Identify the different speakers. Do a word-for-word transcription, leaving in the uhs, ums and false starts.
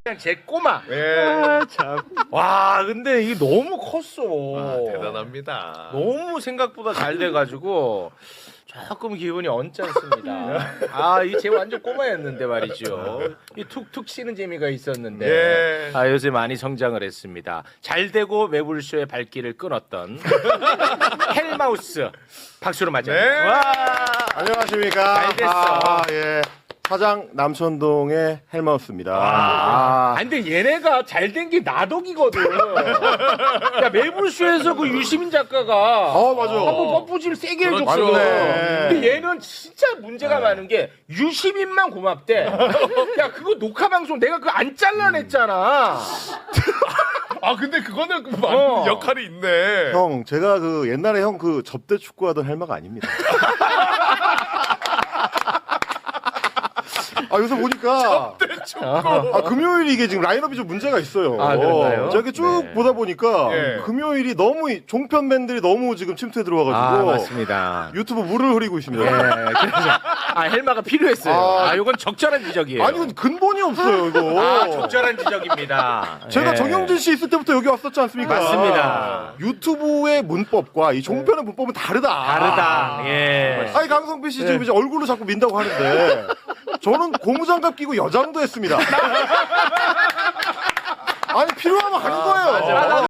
Speaker 1: 그냥 제 꼬마.
Speaker 2: 예.
Speaker 1: 아, 참. 와, 근데 이게 너무 컸어.
Speaker 2: 아, 대단합니다.
Speaker 1: 너무 생각보다 잘 돼가지고 조금 기분이 언짢습니다. 아, 이 제 완전 꼬마였는데 말이죠. 이 툭툭 치는 재미가 있었는데.
Speaker 2: 예.
Speaker 1: 아, 요새 많이 성장을 했습니다. 잘 되고 매불쇼의 발길을 끊었던 헬마우스 박수로 맞이합니다.
Speaker 2: 네.
Speaker 1: 와.
Speaker 3: 안녕하십니까.
Speaker 1: 잘 됐어.
Speaker 3: 아, 예. 사장 남천동의 헬마우스입니다.
Speaker 1: 아, 근데 얘네가 잘 된 게 나덕이거든. 야, 매불쇼에서 그 유시민 작가가
Speaker 3: 어, 맞아.
Speaker 1: 한번 펌프질 세게
Speaker 2: 그렇죠.
Speaker 1: 해줬어.
Speaker 3: 맞네.
Speaker 1: 근데 얘는 진짜 문제가 많은 게 유시민만 고맙대. 야, 그거 녹화 방송 내가 그거 안 잘라냈잖아.
Speaker 2: 아 근데 그거는 그 맞는
Speaker 1: 어.
Speaker 2: 역할이 있네.
Speaker 3: 형, 제가 그 옛날에 형 그 접대 축구하던 헬마가 아닙니다. 아, 요새 보니까 아, 금요일이 이게 지금 라인업이 좀 문제가 있어요.
Speaker 1: 아, 그런가요?
Speaker 3: 제가 쭉
Speaker 1: 네.
Speaker 3: 보다 보니까
Speaker 2: 예.
Speaker 3: 금요일이 너무 이- 종편맨들이 너무 지금 침투해 들어와가지고
Speaker 1: 아, 맞습니다.
Speaker 3: 유튜브 물을 흐리고 있습니다.
Speaker 1: 예, 그래서 아, 헬마가 필요했어요. 아,
Speaker 3: 아,
Speaker 1: 이건 적절한 지적이에요.
Speaker 3: 아니 근데 근본이 없어요 이거.
Speaker 1: 아, 적절한 지적입니다.
Speaker 3: 제가
Speaker 1: 예.
Speaker 3: 정영진 씨 있을 때부터 여기 왔었지 않습니까?
Speaker 1: 맞습니다.
Speaker 3: 유튜브의 문법과 이 종편의 문법은 다르다.
Speaker 1: 다르다. 예.
Speaker 3: 아니 강성필 씨 지금 이제 얼굴로 자꾸 민다고 하는데 저는 고무장갑 끼고 여장도 했습니다. 아니 필요하면 하는 거예요.
Speaker 1: 맞아, 맞아.